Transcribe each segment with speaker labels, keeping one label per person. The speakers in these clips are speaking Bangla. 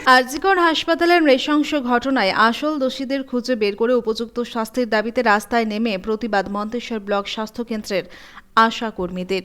Speaker 1: আরজিকর হাসপাতালের নৃশংস ঘটনায় আসল দোষীদের খুঁজে বের করে উপযুক্ত শাস্তির দাবিতে রাস্তায় নেমে প্রতিবাদ মন্তেশ্বর ব্লক স্বাস্থ্য কেন্দ্রের আশা কর্মীদের।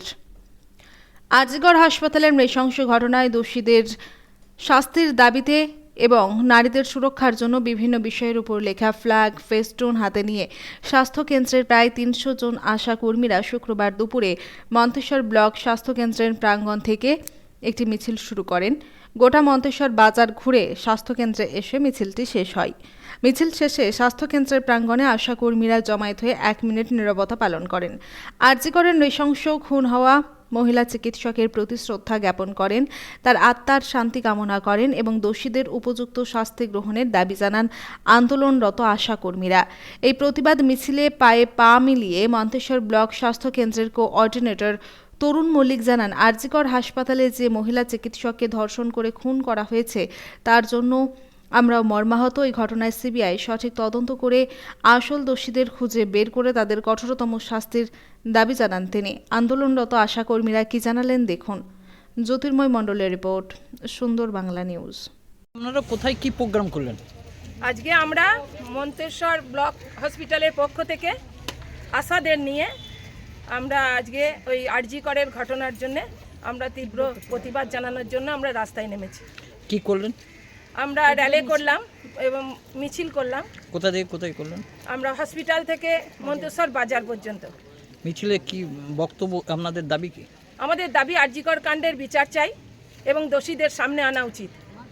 Speaker 1: আরজিকর হাসপাতালের নৃশংস ঘটনায় দোষীদের শাস্তির দাবিতে এবং নারীদের সুরক্ষার জন্য বিভিন্ন বিষয়ের উপর লেখা ফ্ল্যাগ ফেস্টুন হাতে নিয়ে স্বাস্থ্য কেন্দ্রের প্রায় ৩০০ জন আশা কর্মীরা শুক্রবার দুপুরে মন্তেশ্বর ব্লক স্বাস্থ্য কেন্দ্রের প্রাঙ্গণ থেকে একটি মিছিল শুরু করেন। গোটা মন্তেশ্বর বাজার ঘুরে স্বাস্থ্যকেন্দ্রে এসে মিছিলটি শেষ হয়। মিছিল শেষে স্বাস্থ্যকেন্দ্রের প্রাঙ্গণে আশা কর্মীরা জমায়েত হয়ে ১ মিনিট নীরবতা পালন করেন। আরজিকরের নৃশংস খুন হওয়া মহিলা চিকিৎসকের প্রতি শ্রদ্ধা জ্ঞাপন করেন, তার আত্মার শান্তি কামনা করেন এবং দোষীদের উপযুক্ত শাস্তি গ্রহণের দাবি জানান আন্দোলনরত আশা কর্মীরা। এই প্রতিবাদ মিছিলে পায়ে পা মিলিয়ে মন্তেশ্বর ব্লক স্বাস্থ্য কেন্দ্রের কোঅর্ডিনেটর তরুণ মল্লিক জানান, আরজিকর হাসপাতালে যে মহিলা চিকিৎসককে ধর্ষণ করে খুন করা হয়েছে তার জন্য আমরা মর্মাহত। এই ঘটনায় সিবিআই সঠিক তদন্ত করে আসল দোষীদের খুঁজে বের করে তাদের কঠোরতম শাস্তির দাবি জানান তিনি। আন্দোলনরত আশাকর্মীরা কি জানালেন দেখুন। জ্যোতির্ময় মণ্ডলের রিপোর্ট, সুন্দর বাংলা নিউজ।
Speaker 2: আপনারা কোথায় কি প্রোগ্রাম করলেন?
Speaker 3: আজকে আমরা মন্তেশ্বর ব্লক হসপিটালের পক্ষ থেকে আশাদের নিয়ে আমরা আজকে ওই আরজিকরের ঘটনার জন্য আমরা তীব্র প্রতিবাদ জানানোর জন্য আমরা রাস্তায় নেমেছি।
Speaker 2: কি করলেন?
Speaker 3: আমরা র্যালি করলাম এবং মিছিল করলাম।
Speaker 2: কোথা থেকে কোথায় করলেন?
Speaker 3: আমরা হসপিটাল থেকে মন্তেশ্বর বাজার পর্যন্ত।
Speaker 2: মিছিলে কি বক্তব্য, আপনাদের দাবি কি?
Speaker 3: আমাদের দাবি আরজিকর কাণ্ডের বিচার চাই এবং দোষীদের সামনে আনা উচিত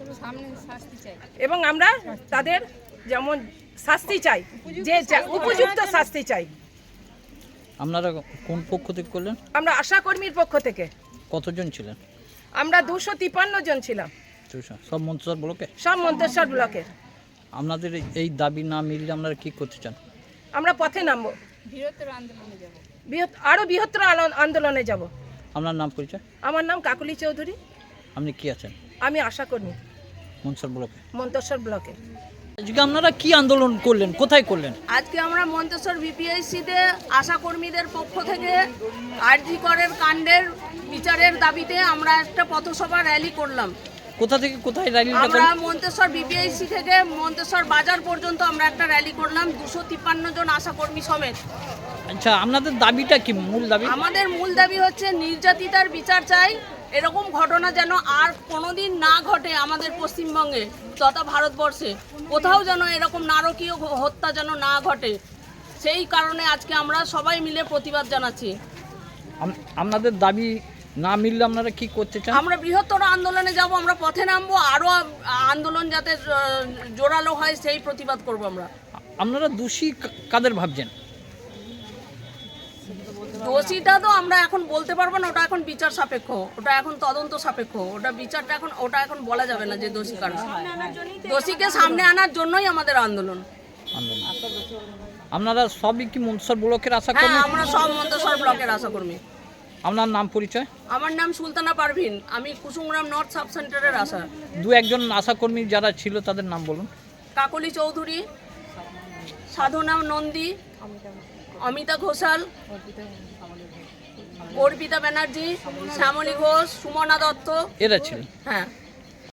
Speaker 3: এবং আমরা তাদের যেমন শাস্তি চাই, যে উপযুক্ত শাস্তি চাই।
Speaker 2: আপনারা কোন পক্ষ থেকে করলেন?
Speaker 3: আমরা আশা কর্মীর পক্ষ থেকে।
Speaker 2: কতজন ছিলেন?
Speaker 3: আমরা 253 জন ছিলাম,
Speaker 2: সব মন্তেশ্বর ব্লকে?
Speaker 3: সব মন্তেশ্বর ব্লকের।
Speaker 2: আপনাদের এই দাবি না মিললে আপনারা কি করতে চান?
Speaker 3: আমরা পথে নামবো, আরো বৃহত্তর আন্দোলনে যাব।
Speaker 2: আপনার নাম পরিচয়?
Speaker 3: আমার নাম কাকুলি চৌধুরী।
Speaker 2: আপনি কি আছেন?
Speaker 3: আমি আশা কর্মী
Speaker 2: মন্তেশ্বর ব্লকে।
Speaker 3: মন্তেশ্বর ব্লকে।
Speaker 2: আজকে আপনারা কি আন্দোলন করলেন, কোথায় করলেন?
Speaker 4: আজকে আমরা মন্তেশ্বর বিপিএইচসিতে আশা কর্মীদের পক্ষ থেকে আরজিকরের কাণ্ডের বিচারের দাবিতে আমরা একটা পথসভা র্যালি করলাম।
Speaker 2: কোথা থেকে কোথায় র্যালিটা
Speaker 4: আমরা
Speaker 2: করলেন?
Speaker 4: মন্তেশ্বর বিপিএইচসি থেকে মন্তেশ্বর বাজার পর্যন্ত আমরা একটা র্যালি করলাম 253 জন আশা কর্মী সমেত।
Speaker 2: আচ্ছা, আপনাদের দাবিটা কি, মূল দাবি?
Speaker 4: আমাদের মূল দাবি হচ্ছে নির্যাতিতার বিচার চাই। এরকম ঘটনা যেন আর কোনোদিন না ঘটে আমাদের পশ্চিমবঙ্গে তথা ভারতবর্ষে, কোথাও যেন এরকম নারকীয় হত্যা যেন না ঘটে। সেই কারণে আজকে আমরা সবাই মিলে প্রতিবাদ জানাচ্ছি।
Speaker 2: আপনাদের দাবি না মিললে আপনারা কি করতে চান?
Speaker 4: আমরা বৃহত্তর আন্দোলনে যাব, আমরা পথে নামবো, আরও আন্দোলন যাতে জোরালো হয় সেই প্রতিবাদ করব আমরা।
Speaker 2: আপনারা দোষী কাদের ভাবছেন?
Speaker 4: দোষীটা তো আমরা এখন বলতে পারবো না, ওটা এখন বিচার সাপেক্ষ, ওটা এখন তদন্ত সাপেক্ষ, ওটা বিচারটা এখন বলা যাবে না যে দোষী কারা। দোষীকে সামনে আনার জন্যই আমাদের আন্দোলন।
Speaker 2: আপনারা সবই কি মন্তেশ্বর ব্লকের আশা
Speaker 4: হ্যাঁ,
Speaker 2: কর্মী?
Speaker 4: আমরা সব মন্তেশ্বর ব্লকের আশা কর্মী।
Speaker 2: আপনার নাম পরিচয়?
Speaker 4: আমার নাম সুলতানা পারভিন, আমি কুসুমগ্রাম নর্থ সাব সেন্টারের আশা।
Speaker 2: দু একজন আশা কর্মী যারা ছিল তাদের নাম বলুন।
Speaker 4: কাকলি চৌধুরী, সাধনা নন্দী, অমিতা ঘোষাল, অর্পিতা ব্যানার্জি, শ্যামলী ঘোষ, সুমনা দত্ত।
Speaker 2: এরা ছিল।
Speaker 4: হ্যাঁ।